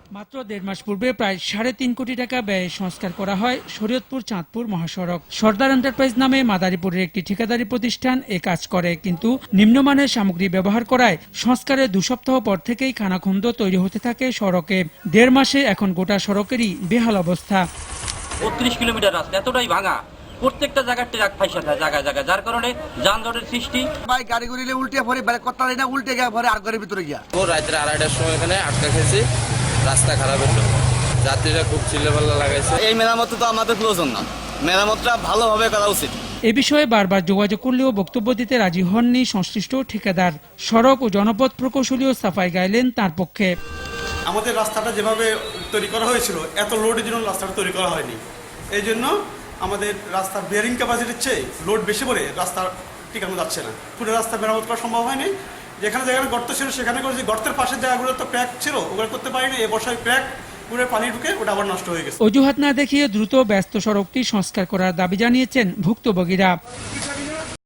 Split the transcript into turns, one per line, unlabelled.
মাত্র ১.৫ মাস পূর্বে প্রায় ৩.৫ কোটি টাকা ব্যয়ে সংস্কার করা হয় শরীয়তপুর চাঁদপুর মহাসড়ক। সর্দার এন্টারপ্রাইজ নামে মাদারীপুরের একটি ঠিকাদারি প্রতিষ্ঠান এ কাজ করে, কিন্তু নিম্নমানের সামগ্রী ব্যবহার করায় সংস্কারের ২ সপ্তাহ পর থেকেই খানাখন্দ তৈরি হতে থাকে সড়কে। ১.৫ মাসে এখন গোটা সড়কেরই বেহাল অবস্থা।
৩৫ কিলোমিটার রাস্তা এতটাই ভাঙা, প্রত্যেকটা জায়গায় ট্রাক ফাইসা থাকে জায়গায় জায়গায়, যার কারণে যানজটের সৃষ্টি।
ভাই গাড়ি গুলিলে উল্টে পরে কথা না উল্টে গিয়ে পরে আর ঘরের ভিতরে গিয়া
রাত্রে ২:৩০টার সময় এখানে আটকা খেয়েছি, রাস্তা খারাপের জন্য যাত্রীরা খুব চিল্লাপাল্লা লাগাইছে।
এই মেরামত তো আমাদের প্রয়োজন না, মেরামতটা ভালোভাবে করা উচিত।
এ বিষয়ে বারবার যোগাযোগ করলেও বক্তব্য দিতে রাজি হননি সংশ্লিষ্ট ঠিকাদার। সড়ক ও জনপথ প্রকৌশলীও সাফাই গাইলেন তার পক্ষে।
আমাদের রাস্তাটা যেভাবে তৈরি করা হয়েছিল এত লোডের জন্য রাস্তাটা তৈরি করা হয়নি। এই জন্য আমাদের রাস্তার বেয়ারিং ক্যাপাসিটির চেয়ে লোড বেশি করে রাস্তা টিকানো যাচ্ছে না। পুরো রাস্তা মেরামত করা সম্ভব হয়নি। যেখানে যেখানে গর্ত ছিল সেখানে করেছি, গর্তের পাশের জায়গাগুলো তো ক্র্যাক ছিল, ওগুলো করতে পারিনি। এ বর্ষায় ক্র্যাক পুরো পানি ঢুকে ওটা আবার নষ্ট হয়ে গেছে।
অজুহাত না দেখিয়ে দ্রুত ব্যস্ত সড়কটি সংস্কার করার দাবি জানিয়েছেন ভুক্তভোগীরা।